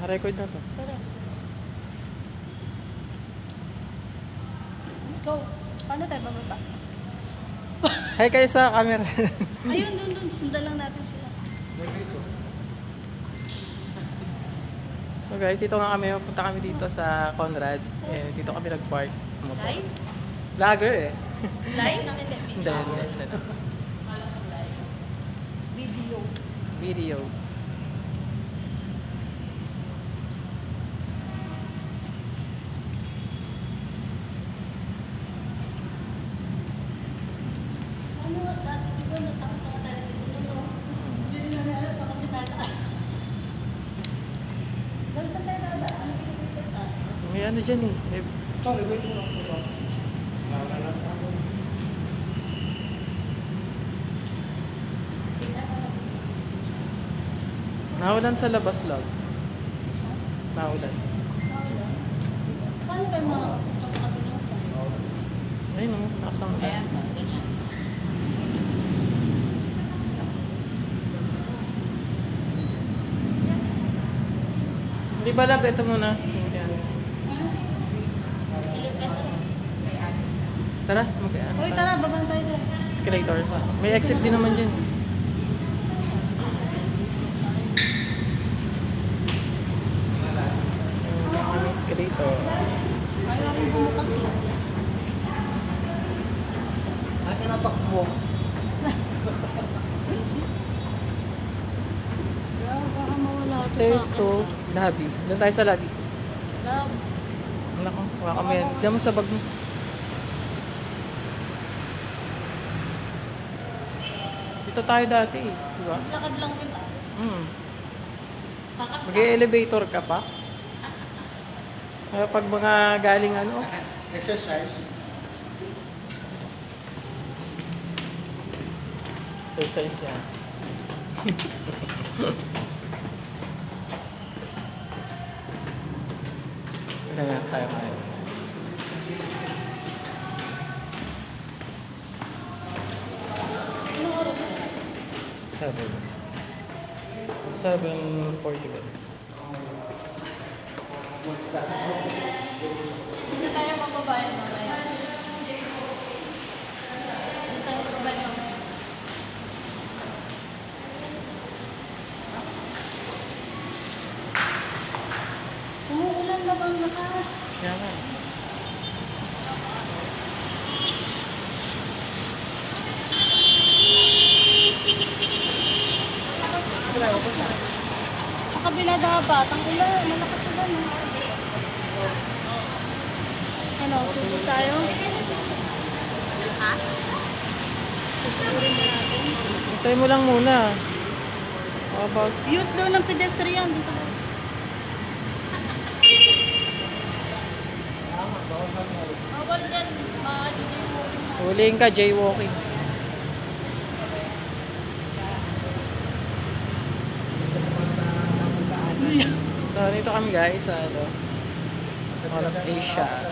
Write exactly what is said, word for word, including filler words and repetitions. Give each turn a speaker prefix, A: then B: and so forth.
A: Naka-record na to.
B: Tara. Let's go. Paano tayo bababa?
A: Hi kayo sa camera.
B: Ayun, dun, dun. Sundan lang natin sila.
A: So guys, dito nga kami. Punta kami dito sa Conrad. Eh, dito kami nag-park. Motor.
B: Live?
A: Vlogger eh.
B: Live? Nakita.
A: Hindi, hindi, hindi.
B: Video.
A: Video.
B: Ano nga dati, di ba natakot tayo dito, no? Hindi rin namin alam sa kami dadaan. Dahil sa tayo dadaan, hindi ko kita.
A: May ano dyan eh. May...
C: Sorry, wait mo lang po ba?
A: Nawalan sa labas lang. Nawalan.
B: Paano kayo makapunta sa kabilang side?
A: Ayun o, nakasang
B: Ayan, ganyan.
A: Hindi ba lab? Ito muna. Tara, mag ano
B: Uy,
A: tayo?
B: tara, babang tayo dyan.
A: Escalator. May exit din naman dyan. Ayun, kami escalator.
B: Ayaw akong bumukas lang.
C: Saan ka natakbo?
B: Grabe, baka mawala ako
A: Stairs
B: sa
A: to lobby. Doon tayo sa lobby.
B: Love.
A: Naku, wala kami yan. Diyan mo sa bag mo. Dito tayo dati eh. Diba?
B: Lakad lang kita.
A: Hmm.
B: Kakat ka.
A: Mag-elevator ka pa? Kaya pag mga galing ano,
C: Exercise.
A: exercise yan. Ganyan tayo ngayon.
B: Anong oras na?
A: Seven. Seven forty-one.
B: Hindi na tayo mababayan mamaya. Hindi tayo mababayan mamaya. Umuulan na bang lakas?
A: Kaya nga.
B: Sa kabila dapat, ang ulan, malakas ulan. Ano, susod tayo? Ha? Susurin na natin.
A: Hintay mo lang muna. How about...
B: Use daw ng pedestrian. Dito daw. Bawal dyan. Makakagigil mo.
A: Huliin ka, jaywalking. So, dito kami guys sa ano, Mall of Asia.